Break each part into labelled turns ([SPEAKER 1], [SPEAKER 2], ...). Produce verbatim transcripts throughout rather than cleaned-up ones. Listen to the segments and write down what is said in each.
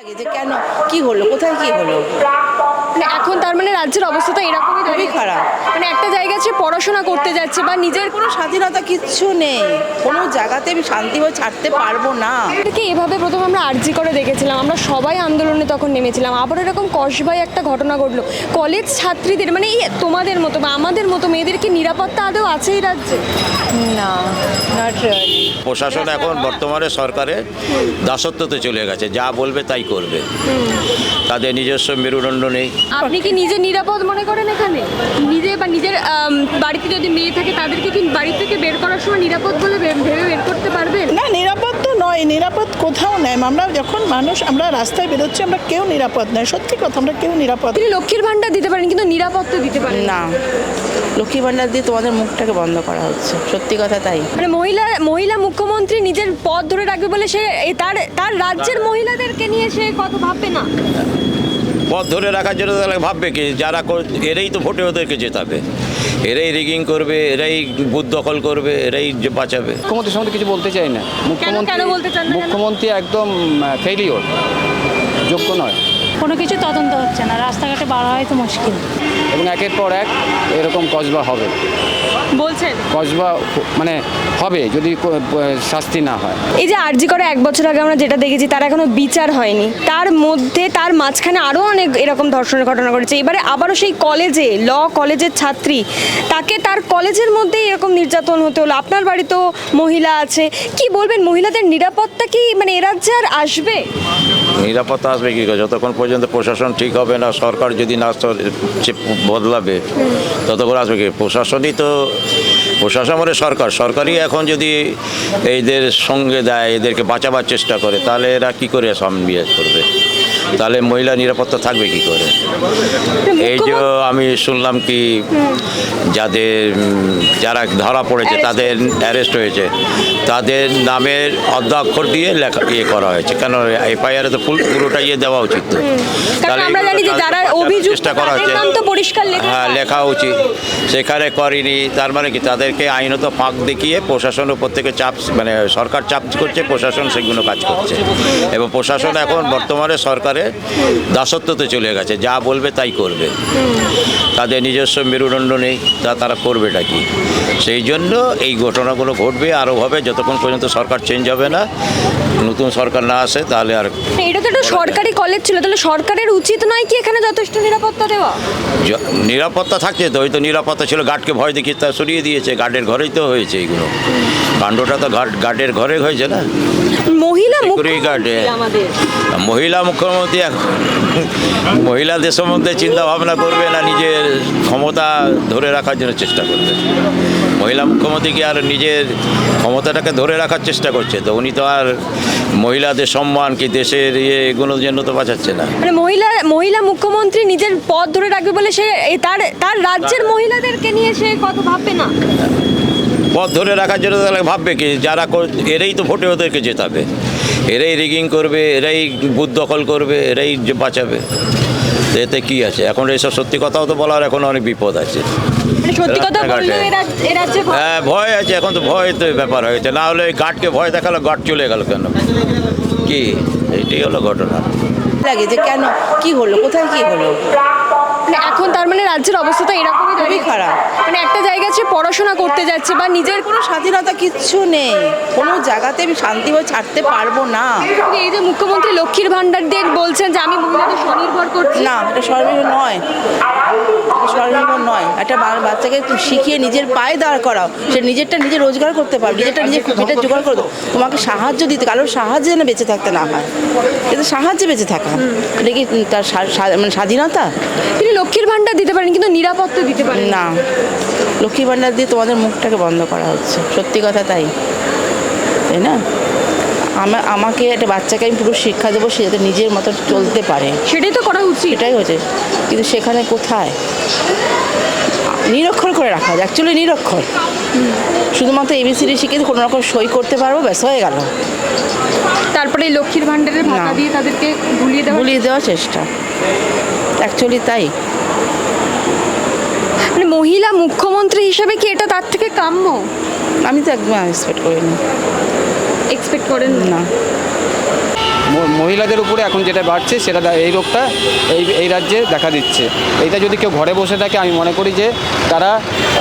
[SPEAKER 1] লাগে যে কেন কি হলো, কোথায় কি হলো?
[SPEAKER 2] মানে এখন তার মানে রাজ্যের অবস্থা তো এরকমই
[SPEAKER 1] খুবই
[SPEAKER 2] দাঁড়িয়ে
[SPEAKER 1] খারাপ।
[SPEAKER 2] মানে একটা জায়গায় সে পড়াশোনা করতে যাচ্ছে বা নিজের
[SPEAKER 1] কোনো স্বাধীনতা কিচ্ছু নেই, কোনো জায়গাতে আমি শান্তি হয়ে ছাড়তে পারবো না।
[SPEAKER 2] কি এভাবে প্রথম আমরা আরজি করে দেখেছিলাম, আমরা সবাই আন্দোলনে তখন নেমেছিলাম, আবার এরকম কসবায় একটা ঘটনা ঘটলো। কলেজ ছাত্রীদের মানে এই তোমাদের মতো বা আমাদের মতো মেয়েদেরকে নিরাপত্তা আদৌ আছে এই রাজ্যে?
[SPEAKER 1] না, নট রিয়েলি।
[SPEAKER 3] প্রশাসন এখন বর্তমানে সরকারের দাসত্বতে চলে গেছে, যা বলবে তাই করবে, তাদের নিজস্ব মেরুদণ্ড নেই।
[SPEAKER 2] আপনি কি নিজে নিরাপদ মনে করেন এখানে? নিজে বা নিজের আম, বাড়িতে যদি মেয়ে থাকে তাদেরকে কি বাড়ি থেকে বের করার সময় নিরাপদ বলে ভে- ভেবে বের করতে পারবেন?
[SPEAKER 4] না, নিরাপদ তো নয়, নিরাপদ কোথাও নেই। আমরা যখন মানুষ আমরা রাস্তায় বেরোচ্ছি আমরা কেউ নিরাপদ নয়, সত্যি কথা, আমরা কেউ নিরাপদ।
[SPEAKER 2] তিনি লক্ষ্মীর ভান্ডার দিতে পারেন কিন্তু নিরাপত্তা দিতে পারেন না।
[SPEAKER 1] না, লক্ষ্মী ভাণ্ডার দিয়ে তোমাদের মুখটাকে বন্ধ করা হচ্ছে, সত্যি কথা তাই।
[SPEAKER 2] মানে মহিলা মহিলা মুখ্যমন্ত্রী নিজের পদ ধরে রাখবে বলে সে এই তার তার রাজ্যের মহিলাদেরকে নিয়ে সে কত ভাববে না?
[SPEAKER 3] পথ ধরে রাখার জন্য তাহলে ভাববে কি, যারা কর- এরাই তো ভোটে ওদেরকে জেতাবে, এরাই রিগিং করবে, এরাই বুথ দখল করবে, এরাই যে বাঁচাবে।
[SPEAKER 5] মুখ্যমন্ত্রীর সম্বন্ধে কিছু বলতে চাই না।
[SPEAKER 2] কেন বলতে চান না কেন?
[SPEAKER 5] মুখ্যমন্ত্রী একদম ফেলিওর, যোগ্য নয়,
[SPEAKER 6] কোনো কিছু তদন্ত হচ্ছে না, রাস্তাঘাটে বার হয় তো মুশকিল।
[SPEAKER 5] এবং একের পর এক এরকম কসবা হবে,
[SPEAKER 2] বলছেন
[SPEAKER 5] কসবা মানে হবে যদি কো- শাস্তি না হয়।
[SPEAKER 2] এই যে আরজি করে এক বছর আগে আমরা যেটা দেখেছি তার এখনো বিচার হয়নি, তার মধ্যে তার মাঝখানে আরও অনেক এরকম ধর্ষণের ঘটনা ঘটেছে। এবারে আবারও সেই কলেজে ল কলেজের ছাত্রী, তাকে তার কলেজের মধ্যেই এরকম নির্যাতন হতে হলো। আপনার বাড়িতেও মহিলা আছে, কি বলবেন মহিলাদের নিরাপত্তা কি মানে এ রাজ্যে আর আসবে?
[SPEAKER 3] নিরাপত্তা আসবে কী করে, যতক্ষণ পর্যন্ত প্রশাসন ঠিক হবে না, সরকার যদি না স- চে- বদলাবে ততক্ষণ আসবে কি? প্রশাসনই তো, প্রশাসন মানে সরকার, সরকারই এখন যদি এদের সঙ্গে দেয়, এদেরকে বাঁচাবার চেষ্টা করে, তাহলে এরা কি করে সামনে বিয়ে করবে? তাহলে মহিলা নিরাপত্তা থাকবে কি করে? এই যে আমি শুনলাম কি যাদের উম, যারা ধরা পড়েছে তাদের অ্যারেস্ট হয়েছে, তাদের নামের অর্ধাক্ষর দিয়ে লেখা ইয়ে করা হয়েছে। কেন এফআইআরে তো ফুল পুরোটা ইয়ে দেওয়া উচিত তো।
[SPEAKER 2] কারণ
[SPEAKER 3] তাহলে
[SPEAKER 2] আমরা
[SPEAKER 3] এগুলো
[SPEAKER 2] জানি যে
[SPEAKER 3] তাদের
[SPEAKER 2] যারা
[SPEAKER 3] বাঁচানোর
[SPEAKER 2] অভিযুক্ত
[SPEAKER 3] চেষ্টা করা
[SPEAKER 2] তাদের
[SPEAKER 3] হচ্ছে,
[SPEAKER 2] নাম তো পরিষ্কার লেখা
[SPEAKER 3] হ্যাঁ
[SPEAKER 2] থাকে।
[SPEAKER 3] লেখা উচিত, সেখানে করেনি। তার মানে কি তাদেরকে আইনত ফাঁক দেখিয়ে প্রশাসনের উপর থেকে চাপ, মানে সরকার চাপ করছে, প্রশাসন সেগুলো কাজ করছে। এবং প্রশাসন এখন বর্তমানে সরকারের দাসত্বতে চলে গেছে, যা বলবে তাই করবে, তাদের নিজস্ব মেরুদণ্ড নেই, তা তারা করবেটা কি? সেই জন্য এই ঘটনাগুলো ঘটবে, আরও হবে, যতক্ষণ পর্যন্ত সরকার চেঞ্জ হবে না, নতুন সরকার না আসে, তাহলে আর
[SPEAKER 2] এটা তো একটা সরকারি কলেজ ছিল, তাহলে সরকারের উচিত নয় কি এখানে যথেষ্ট নিরাপত্তা দেওয়া?
[SPEAKER 3] য- নিরাপত্তা থাকছে তো, ওই তো নিরাপত্তা ছিল, গার্ডকে ভয় দেখিয়ে তা সরিয়ে দিয়েছে, গার্ডের ঘরেই তো হয়েছে এইগুলো, কাণ্ডটা তো গার্ড গার্ডের ঘরে হয়েছে না।
[SPEAKER 2] মহিলা
[SPEAKER 3] Security guard,
[SPEAKER 2] মুখ্যমন্ত্রী
[SPEAKER 3] হ্যাঁ।
[SPEAKER 2] আমাদের
[SPEAKER 3] মহিলা মুখ্যমন্ত্রী এখন মহিলাদের সম্বন্ধে চিন্তা ভাবনা করবে না, নিজের ক্ষমতা ধরে রাখার জন্য চেষ্টা করবে। মহিলা মুখ্যমন্ত্রী কি আর নিজের ক্ষমতাটাকে ধরে রাখার চেষ্টা করছে? তো উনি তো আর মহিলাদের সম্মান কি দেশের ইয়ে এগুলোর জন্য তো বাঁচাচ্ছে না।
[SPEAKER 2] মানে মহিলা মহিলা মুখ্যমন্ত্রী নিজের পদ ধরে রাখবে বলে সে এই তার তার রাজ্যের মহিলাদেরকে নিয়ে সে কত ভাববে না?
[SPEAKER 3] পথ ধরে রাখার জন্য তাহলে ভাববে কি, যারা কর- এরাই তো ভোটে ওদেরকে জেতাবে, এরাই রিগিং করবে, এরাই বুথ দখল করবে, এরাই যে বাঁচাবে। তো এতে কি আছে? এখন এইসব সত্যি কথাও তো বলার এখন অনেক বিপদ আছে।
[SPEAKER 2] মানে সত্যি কথা
[SPEAKER 3] রাস্তাঘাটে।
[SPEAKER 2] বললেও এ রাজ- এ রাজ্যে ভয়-
[SPEAKER 3] হ্যাঁ ভয় আছে, এখন তো ভয় তো ব্যাপার হয়েছে, না হলে গার্ডকে ভয় দেখালো, গার্ড চলে গেল কেন? কি এইটাই হলো ঘটনা।
[SPEAKER 1] লাগে যে কেন কি হলো, কোথায় কি হলো?
[SPEAKER 2] মানে এখন তার মানে রাজ্যের অবস্থা তো এরকমই
[SPEAKER 1] খুবই
[SPEAKER 2] দাঁড়িয়ে
[SPEAKER 1] খারাপ।
[SPEAKER 2] মানে একটা জায়গায় সে পড়াশোনা করতে যাচ্ছে বা নিজের
[SPEAKER 1] কোনো স্বাধীনতা কিচ্ছু নেই, কোনো জায়গাতে আমি শান্তি হয়ে ছাড়তে পারবো না।
[SPEAKER 2] এই যে মুখ্যমন্ত্রী লক্ষ্মীর ভান্ডার দিয়ে বলছেন যে আমি মহিলাদের স্বনির্ভর করছি,
[SPEAKER 1] না, এটা স্বনির্ভর নয়, এটা স্বনির্ভর নয়। একটা বা- বাচ্চাকে তুমি শিখিয়ে নিজের পায়ে দাঁড় করাও, সে নিজেরটা নিজে রোজগার করতে পারবে, নিজেরটা নিজে পেটের জোগাড় করো। তোমাকে সাহায্য দিতে, কারোর সাহায্যে যেন বেঁচে থাকতে না হয়, এটা সাহায্যে বেঁচে থাকা, এটা কি তার স্বা- স্বা- মানে স্বাধীনতা?
[SPEAKER 2] তিনি লক্ষ্মীর ভান্ডার দিতে পারেন কিন্তু নিরাপত্তা দিতে পারেন না।
[SPEAKER 1] না, লক্ষ্মী ভাণ্ডার দিয়ে তোমাদের মুখটাকে বন্ধ করা হচ্ছে, সত্যি কথা তাই, তাই না? আমা- আমাকে একটা বাচ্চাকে আমি পুরো শিক্ষা দেবো, সে যাতে নিজের মতো চলতে পারে,
[SPEAKER 2] সেটাই তো করা উচিত।
[SPEAKER 1] এটাই হচ্ছে। কিন্তু সেখানে কোথায় নিরক্ষর করে রাখা হয়, অ্যাকচুয়ালি নিরক্ষর, শুধুমাত্র এবিসিডি শিখে কোনো রকম সই করতে পারবো, ব্যাস হয়ে গেল।
[SPEAKER 2] তারপরে এই লক্ষ্মীর ভান্ডারের ভাতা
[SPEAKER 1] না।
[SPEAKER 2] দিয়ে তাদেরকে ভুলিয়ে দেওয়া,
[SPEAKER 1] ভুলিয়ে দেওয়ার চেষ্টা, অ্যাকচুয়ালি তাই।
[SPEAKER 2] মানে মহিলা মুখ্যমন্ত্রী হিসেবে কি এটা তার থেকে কাম্য?
[SPEAKER 1] আমি তো একদম এক্সপেক্ট করিনি,
[SPEAKER 2] এক্সপেক্ট করেন না?
[SPEAKER 1] না।
[SPEAKER 5] ম- মহিলাদের উপরে এখন যেটা বাড়ছে সেটা দা- এই রোগটা এই এই রাজ্যে দেখা দিচ্ছে। এইটা যদি কেউ ঘরে বসে থাকে আমি মনে করি যে তারা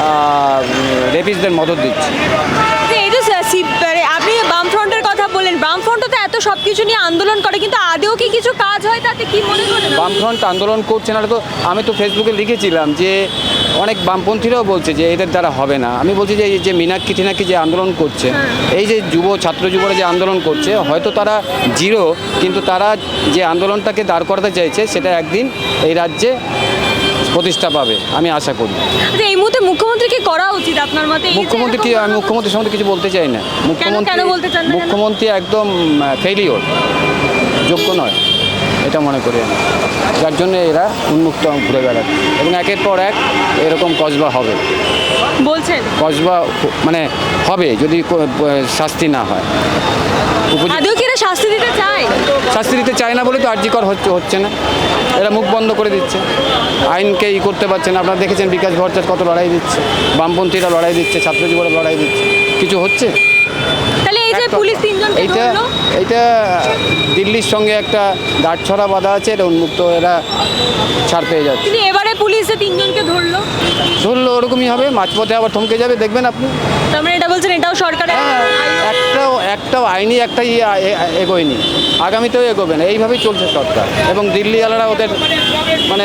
[SPEAKER 5] রেপিস্টদের মদত দিচ্ছে।
[SPEAKER 2] যে এই যে সি- মানে আপনি বামফ্রন্টের কথা বললেন, বামফ্রন্ট তো এত সব কিছু নিয়ে আন্দোলন করে, কিন্তু আদেও কি কিছু কাজ হয় তাতে, কি মনে করেন?
[SPEAKER 5] বামফ্রন্ট আন্দোলন করছে না, তো আমি তো ফেসবুকে লিখেছিলাম যে অনেক বামপন্থীরাও বলছে যে এদের দ্বারা হবে না। আমি বলছি যে এই যে মীনাক্ষী টিনাক্ষী যে আন্দোলন করছে, এই যে যুব ছাত্র যুবরা যে আন্দোলন করছে, হয়তো তারা জিরো, কিন্তু তারা যে আন্দোলনটাকে দাঁড় করাতে চাইছে সেটা একদিন এই রাজ্যে প্রতিষ্ঠা পাবে আমি আশা করি।
[SPEAKER 2] আচ্ছা, এই মুহূর্তে মুখ্যমন্ত্রী কি করা উচিত আপনার মতে? এই যে
[SPEAKER 5] মুখ্যমন্ত্রী কি,
[SPEAKER 2] এরকম
[SPEAKER 5] আমি মুখ্যমন্ত্রীর সম্বন্ধে কিছু বলতে চাই না। মুখ্যমন্ত্রী
[SPEAKER 2] কেন বলতে চান না কেন?
[SPEAKER 5] মুখ্যমন্ত্রী একদম ফেলিওর, যোগ্য নয় এটা মনে করি আমি, যার জন্য এরা উন্মুক্ত ঘুরে বেড়াচ্ছে এবং একের পর এক এরকম কসবা হবে।
[SPEAKER 2] বলছেন
[SPEAKER 5] কসবা মানে হবে যদি কো- শাস্তি না হয়। উপযুক্ত
[SPEAKER 2] আদেও কি এরা শাস্তি দিতে চায়?
[SPEAKER 5] শাস্তি দিতে চায় না বলে তো আর্যিকর হচ্ছে হচ্ছে না, এরা মুখ বন্ধ করে দিচ্ছে, আইনকে ই করতে পারছে না। আপনারা দেখেছেন বিকাশ ভট্টাচার্য কত লড়াই দিচ্ছে, বামপন্থীরা লড়াই দিচ্ছে, ছাত্র যুবরা লড়াই দিচ্ছে, কিছু হচ্ছে?
[SPEAKER 2] তাহলে এই যে
[SPEAKER 5] একটা-
[SPEAKER 2] পুলিশ তিনজনকে
[SPEAKER 5] এইটা
[SPEAKER 2] ধরলো,
[SPEAKER 5] এইটা দিল্লির সঙ্গে একটা দাঁড়ছড়া বাঁধা আছে, এটা উন্মুক্ত, এরা ছাড় পেয়ে যাচ্ছে।
[SPEAKER 2] কিন্তু এবারে পুলিশ যে তিনজনকে ধরলো,
[SPEAKER 5] ধরলো ওরকমই হবে, মাঝপথে আবার থমকে যাবে, দেখবেন আপনি।
[SPEAKER 2] তার মানে এটা বলছেন এটাও সরকারের
[SPEAKER 5] হ্যাঁ, একটাও একটাও আইনি একটা ইয়ে এ- এগোয়নি, আগামীতেও এগোবে না, এইভাবেই চলছে সরকার। এবং দিল্লিওয়ালারা ওদের মানে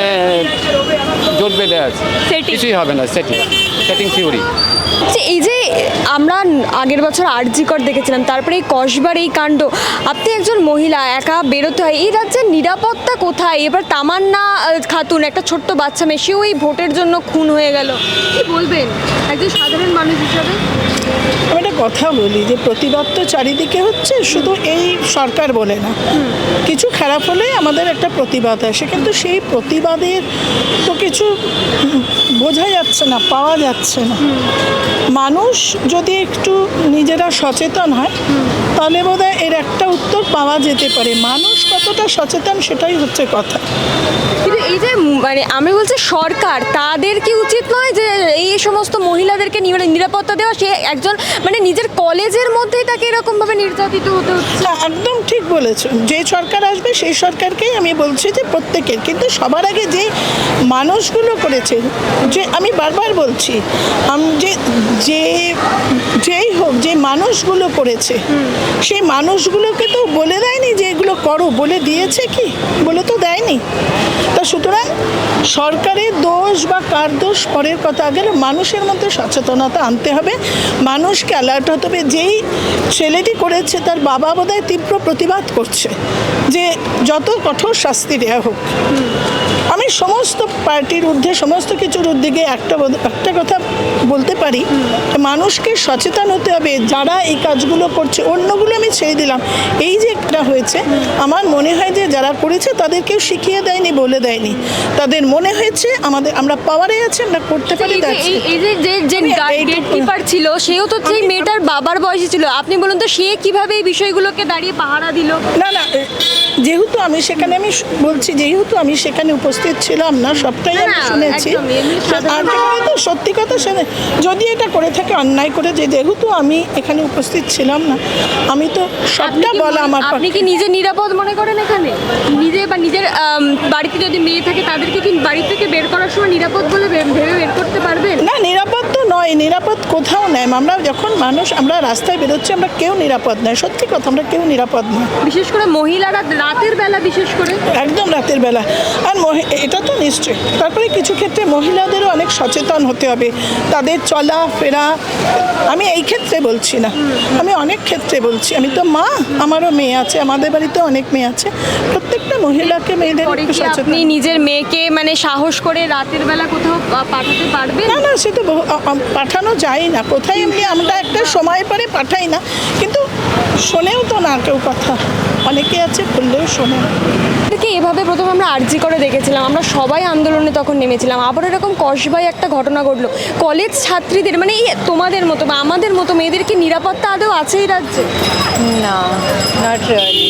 [SPEAKER 5] জোট বেঁধে আছে,
[SPEAKER 2] Setting.
[SPEAKER 5] কিছুই হবে না, সেটিং সেটিং থিওরি।
[SPEAKER 2] যে এই যে আমরা আগের বছর আরজিকর দেখেছিলাম, তারপরে এই কসবার এই কাণ্ড, আপনি একজন মহিলা, একা বেরোতে হয়, এই রাজ্যের নিরাপত্তা কোথায়? এবার তামান্না আহ, খাতুন একটা ছোট্ট বাচ্চা মেয়ে, সেও এই ভোটের জন্য খুন হয়ে গেল, কি বলবেন একজন সাধারণ মানুষ হিসাবে?
[SPEAKER 4] আমি একটা কথা বলি যে প্রতিবাদ তো চারিদিকে হচ্ছে, শুধু এই সরকার বলে না, কিছু খারাপ হলে আমাদের একটা প্রতিবাদ আসে, কিন্তু সেই প্রতিবাদের তো কিছু উম, বোঝা যাচ্ছে না, পাওয়া যাচ্ছে না। মানুষ যদি একটু নিজেরা সচেতন হয় তাহলে বোধহয় এর একটা উত্তর পাওয়া যেতে পারে। মানুষ কতটা সচেতন সেটাই হচ্ছে কথা।
[SPEAKER 2] কিন্তু এই যে উম, মানে আমি বলছি সরকার, তাদের কি উচিত নয় যে এই সমস্ত মহিলাদেরকে নি- নিরাপত্তা দেওয়া? সে একজন মানে নিজের কলেজের মধ্যেই তাকে এরকমভাবে নির্যাতিত হতে হচ্ছে।
[SPEAKER 4] না, একদম ঠিক বলেছো। যে সরকার আসবে সেই সরকারকেই আমি বলছি যে প্রত্যেকের, কিন্তু সবার আগে যে মানুষগুলো করেছে, যে আমি বারবার বলছি আম যে যে যেই হোক, যে মানুষগুলো করেছে সেই মানুষগুলোকে তো বলে দেয়নি যে এগুলো করো, বলে দিয়েছে কি? বলে তো দেয়নি। তা সুতরাং সরকারের দোষ বা কার দোষ পরের কথা, আগে মানুষের মধ্যে সচেতনতা আনতে হবে, মানুষকে অ্যালার্ট হতে হবে। যেই ছেলেটি করেছে তার বাবা বোধহয় তীব্র প্রতিবাদ করছে যে যত কঠোর শাস্তি দেওয়া হোক। আমি সমস্ত পার্টির ঊর্ধ্বে, সমস্ত কিছুর ঊর্ধ্বে একটা বোধ- একটা কথা বলতে পারি, মানুষকে সচেতন হতে হবে। যারা এই কাজগুলো করছে, অন্যগুলো আমি ছেড়ে দিলাম, এই যে একটা হয়েছে, আমার মনে হয় যে যারা করেছে তাদের কেউ শিখিয়ে দেয়নি, বলে দেয়নি, তাদের মনে হয়েছে আমাদের আমরা পাওয়ারে আছি, আমরা করতে পারি।
[SPEAKER 2] এই যে-
[SPEAKER 4] that's
[SPEAKER 2] এই-
[SPEAKER 4] it।
[SPEAKER 2] এই যে যে যে
[SPEAKER 4] আমি এইটুকু-
[SPEAKER 2] গেট কিপার ছিল, সেও তো যে মেয়েটার বাবার বয়সী ছিল, আপনি বলুন তো সে কিভাবে এই বিষয়গুলোকে দাঁড়িয়ে পাহারা দিল?
[SPEAKER 4] না না, যেহেতু আমি সেখানে, আমি স- বলছি যেহেতু আমি সেখানে উপস্থিত ছিলাম না, সবটাই
[SPEAKER 2] না,
[SPEAKER 4] আমি
[SPEAKER 2] না,
[SPEAKER 4] শুনেছি।
[SPEAKER 2] একদমই, এমনি সাধারণ-
[SPEAKER 4] আর যেখানে তো সত্যি কথা শুনে, যদি এটা করে থাকে অন্যায় করে, যে যেহেতু আমি এখানে উপস্থিত ছিলাম না, আমি তো
[SPEAKER 2] আপনি
[SPEAKER 4] সবটা
[SPEAKER 2] কি
[SPEAKER 4] বলা
[SPEAKER 2] মনে-
[SPEAKER 4] আমার
[SPEAKER 2] আপনি
[SPEAKER 4] পক্ষে।
[SPEAKER 2] কি নিজে নিরাপদ মনে করেন এখানে? নিজে বা নিজের আম, বাড়িতে যদি মেয়ে থাকে তাদেরকে কি বাড়ি থেকে বের করার সময় নিরাপদ বলে ভে- ভেবে বের করতে পারবেন?
[SPEAKER 4] না, নিরাপদ তো নয়, নিরাপদ কোথাও নেই। আমরা যখন মানুষ, আমরা রাস্তায় বেরোচ্ছি, আমরা কেউ নিরাপদ নয়, সত্যি কথা, আমরা কেউ নিরাপদ নয়,
[SPEAKER 2] বিশেষ করে মহিলারা রাতের বেলা, বিশেষ করে
[SPEAKER 4] একদম রাতের বেলা। আর মহি- এটা তো নিশ্চয়ই, তারপরে কিছু ক্ষেত্রে মহিলাদেরও অনেক সচেতন হতে হবে, তাদের চলা ফেরা। আমি এই ক্ষেত্রে বলছি না, আমি অনেক ক্ষেত্রে বলছি। আমি তো মা, আমারও মেয়ে আছে, আমাদের বাড়িতে অনেক মেয়ে আছে, প্রত্যেকটা মহিলাকে, মেয়েদের
[SPEAKER 2] পরে
[SPEAKER 4] একটু
[SPEAKER 2] কি
[SPEAKER 4] সচেতন।
[SPEAKER 2] আপনি নিজের মেয়েকে মানে সাহস করে রাতের বেলা কোথাও পা- পাঠাতে পারবেন?
[SPEAKER 4] না না, সে তো বহু- আ- আ- পাঠানো যায় না কোথায়, এমনি আমরা একটা সময় পরে পাঠাই না, কিন্তু শোনেও তো না কেউ কথা, অনেকে আছে বললেও শোনে না।
[SPEAKER 2] এটাকে এভাবে প্রথমে আমরা আরজি করে দেখেছিলাম, আমরা সবাই আন্দোলনে তখন নেমেছিলাম, আবার এরকম কসবায় একটা ঘটনা ঘটলো। কলেজ ছাত্রীদের মানে এই তোমাদের মতো বা আমাদের মতো মেয়েদের কি নিরাপত্তা আদৌ আছে এই রাজ্যে?
[SPEAKER 7] No, not really.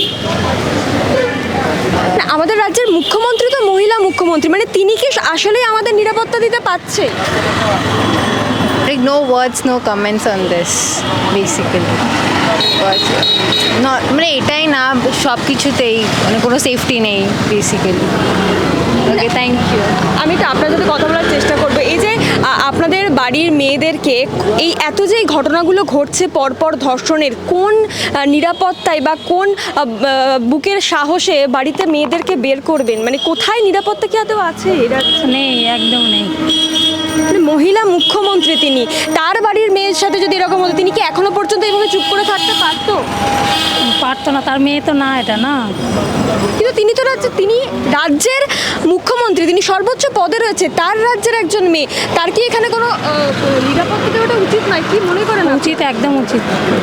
[SPEAKER 2] না, আমাদের রাজ্যের মুখ্যমন্ত্রী তো মহিলা মুখ্যমন্ত্রী, মানে তিনি কি আসলেই আমাদের নিরাপত্তা দিতে পারছে?
[SPEAKER 7] ঠিক no words, no comments on this, basically. Because, no, মানে এটাই না সব কিছুতেই মানে কোনো সেফটি নেই বেসিক্যালি। Okay, thank you.
[SPEAKER 2] আমি তো আপনার সাথে কথা বলার চেষ্টা করবো। এই যে আ, আপনাদের বাড়ির মেয়েদেরকে এই এত যে এই ঘটনাগুলো ঘটছে পরপর ধর্ষণের, কোন আ, নিরাপত্তায় বা কোন আ, ব- বুকের সাহসে বাড়িতে মেয়েদেরকে বের করবেন? মানে কোথায় নিরাপত্তা কি আদৌ আছে? এরা
[SPEAKER 6] নেই, একদম নেই।
[SPEAKER 2] মানে মহিলা মুখ্যমন্ত্রী তিনি, তার বাড়ির মেয়ের সাথে যদি এরকম হতো, তিনি কি এখনো পর্যন্ত এইভাবে চুপ করে থাকতে পারতো?
[SPEAKER 6] পারতো না, তার মেয়ে তো না, এটা না।
[SPEAKER 2] কিন্তু তিনি তো রাজ্যে, তিনি রাজ্যের মুখ্যমন্ত্রী, তিনি সর্বোচ্চ পদে রয়েছে, তার রাজ্যের একজন মেয়ে, তার কি এখানে কোনো আহ, নিরাপত্তা দেওয়াটা উচিত নয়? কি মনে করেন আপনি?
[SPEAKER 6] উচিত, একদম উচিত।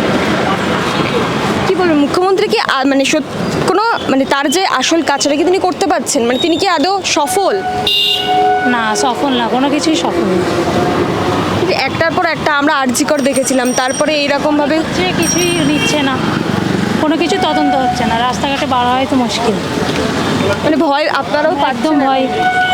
[SPEAKER 2] কি বলবেন, মুখ্যমন্ত্রী কি আ- মানে সত- কোনো মানে তার যে আসল কাজটা কি তিনি করতে পারছেন? মানে তিনি কি আদৌ সফল?
[SPEAKER 6] না, সফল না, কোনো কিছুই সফল না।
[SPEAKER 2] যে একটার পর একটা আমরা আর্জিকর দেখেছিলাম, তারপরে এইরকমভাবে
[SPEAKER 6] যে কিছুই নিচ্ছে না, কোনো কিছু তদন্ত হচ্ছে না, রাস্তাঘাটে বার হয় তো মুশকিল।
[SPEAKER 2] মানে ভয় আপনারাও
[SPEAKER 6] একদম
[SPEAKER 2] পাচ্ছেন?
[SPEAKER 6] ভয়।